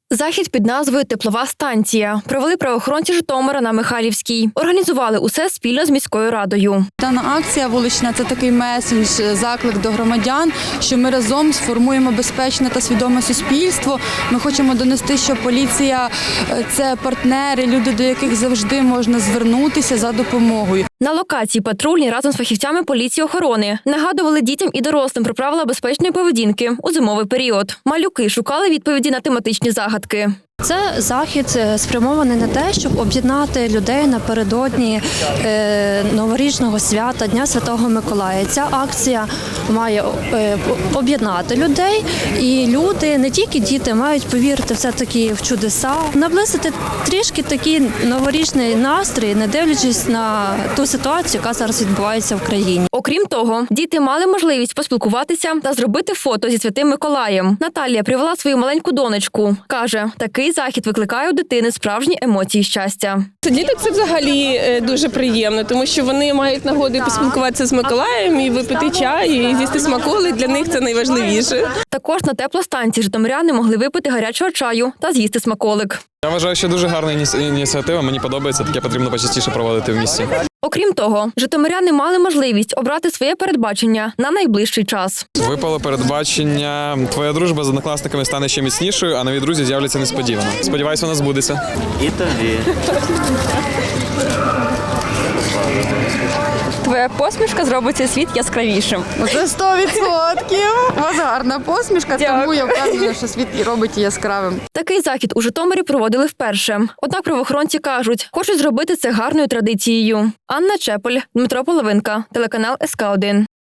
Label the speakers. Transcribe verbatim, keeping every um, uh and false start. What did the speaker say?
Speaker 1: Захід під назвою «Теплова станція» провели правоохоронці Житомира на Михайлівській. Організували усе спільно з міською радою.
Speaker 2: Дана акція вулична – це такий месендж, заклик до громадян, що ми разом сформуємо безпечне та свідоме суспільство. Ми хочемо донести, що поліція – це партнери, люди, до яких завжди можна звернутися за допомогою.
Speaker 1: На локації патрульні разом з фахівцями поліції охорони нагадували дітям і дорослим про правила безпечної поведінки у зимовий період. Малюки шукали відповіді на тематичні загадки.
Speaker 3: Це захід спрямований на те, щоб об'єднати людей напередодні новорічного свята, Дня Святого Миколая. Ця акція має об'єднати людей, і люди, не тільки діти, мають повірити все-таки в чудеса, наблизити трішки такий новорічний настрій, не дивлячись на ту ситуацію, яка зараз відбувається в країні.
Speaker 1: Окрім того, діти мали можливість поспілкуватися та зробити фото зі Святим Миколаєм. Наталія привела свою маленьку донечку. Каже, такий захід викликає у дитини справжні емоції щастя.
Speaker 4: Діток це взагалі дуже приємно, тому що вони мають нагоду поспілкуватися з Миколаєм і випити чай, і з'їсти смаколи. Для них це найважливіше.
Speaker 1: Також на теплостанції житомиряни могли випити гарячого чаю та з'їсти смаколик.
Speaker 5: Я вважаю, що дуже гарна ініціатива, мені подобається, таке потрібно почастіше проводити в місті.
Speaker 1: Окрім того, житомиряни мали можливість обрати своє передбачення на найближчий час.
Speaker 5: Випало передбачення, твоя дружба з однокласниками стане ще міцнішою, а нові друзі з'являться несподівано. Сподіваюсь, вона збудеться.
Speaker 6: І тобі.
Speaker 1: Твоя посмішка зробить цей світ яскравішим.
Speaker 2: Це сто відсотків. У вас гарна посмішка, тому я впевнена, що світ робить її яскравим.
Speaker 1: Такий захід у Житомирі проводили вперше. Однак правоохоронці кажуть, хочуть зробити це гарною традицією. Анна Чепель, Дмитро Половинка, телеканал ес ка один.